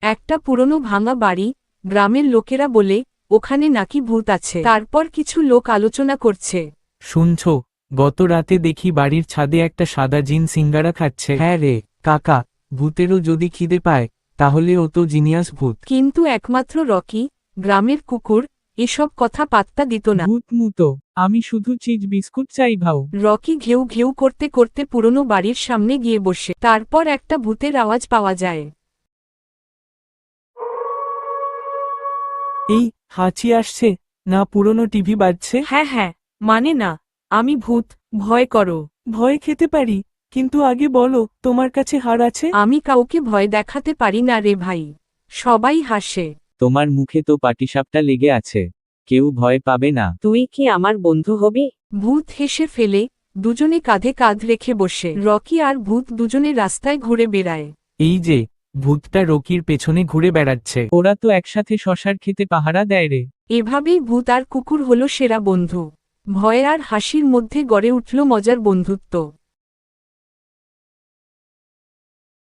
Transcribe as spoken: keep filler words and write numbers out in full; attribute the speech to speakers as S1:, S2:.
S1: একটা পুরনো ভাঙা বাড়ি, গ্রামের লোকেরা বলে ওখানে নাকি ভূত আছে। তারপর কিছু লোক আলোচনা করছে।
S2: শুনছো, গত রাতে দেখি বাড়ির ছাদে একটা সাদা জিন সিঙ্গারা খাচ্ছে। হ্যাঁ রে কাকা, ভূতেরও যদি খিদে পায় তাহলে ও তো জিনিয়াস ভূত।
S1: কিন্তু একমাত্র রকি, গ্রামের কুকুর, এসব কথা পাত্তা দিত না।
S2: ভূত মুতো, আমি শুধু চিজ বিস্কুট চাই ভাও।
S1: রকি ঘেউ ঘেউ করতে করতে পুরনো বাড়ির সামনে গিয়ে বসে। তারপর একটা ভূতের আওয়াজ পাওয়া যায়।
S2: এই হাঁচি আসছে না পুরনো টিভি বাজছে?
S1: হ্যাঁ হ্যাঁ, মানে না, আমি ভূত, ভয় করো।
S2: ভয় খেতে পারি, কিন্তু আগে বলো তোমার কাছে হার আছে?
S1: আমি কাউকে ভয় দেখাতে পারি না রে ভাই। সবাই হাসে।
S3: তোমার মুখে তো পাটিসাপটা লেগে আছে, কেউ ভয় পাবে না।
S4: তুই কি আমার বন্ধু হবি?
S1: ভূত হেসে ফেলে, দুজনে কাঁধে কাঁধ রেখে বসে। রকি আর ভূত দুজনে রাস্তায় ঘুরে বেড়ায়।
S2: এই যে, ভূতটা রকির পেছনে ঘুরে বেড়াচ্ছে।
S3: ওরা তো একসাথে শশার খেতে পাহারা দেয় রে।
S1: এভাবেই ভূত আর কুকুর হলো সেরা বন্ধু। ভয় আর হাসির মধ্যে গড়ে উঠল মজার বন্ধুত্ব।